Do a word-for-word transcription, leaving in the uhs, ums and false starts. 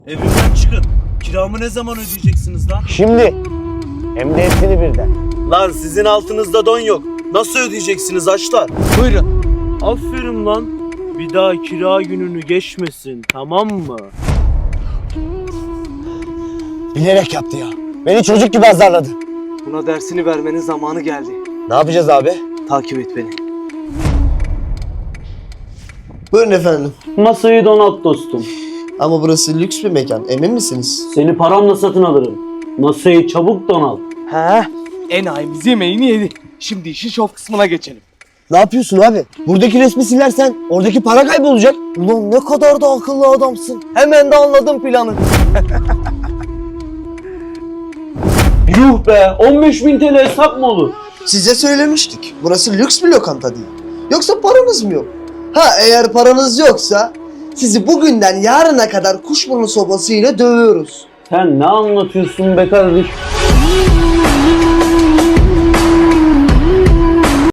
Evimden çıkın. Kiramı ne zaman ödeyeceksiniz lan? Şimdi. Hem de hepsini birden. Lan sizin altınızda don yok. Nasıl ödeyeceksiniz açlar? Buyurun. Aferin lan. Bir daha kira gününü geçmesin, tamam mı? Bilerek yaptı ya. Beni çocuk gibi azarladı. Buna dersini vermenin zamanı geldi. Ne yapacağız abi? Takip et beni. Buyurun efendim. Masayı donat dostum. Ama burası lüks bir mekan. Emin misiniz? Seni paramla satın alırım. Masayı çabuk donat. He? Enayimiz yemeğini yedi. Şimdi işin şov kısmına geçelim. Ne yapıyorsun abi? Buradaki resmi silersen oradaki para kaybolacak. Ulan ne kadar da akıllı adamsın. Hemen de anladım planı. Yuh be, on beş bin T L hesap mı olur? Size söylemiştik. Burası lüks bir lokanta değil. Yoksa paranız mı yok? Ha eğer paranız yoksa sizi bugünden yarına kadar kuşburnu sobasıyla dövüyoruz. Sen ne anlatıyorsun be kardeş?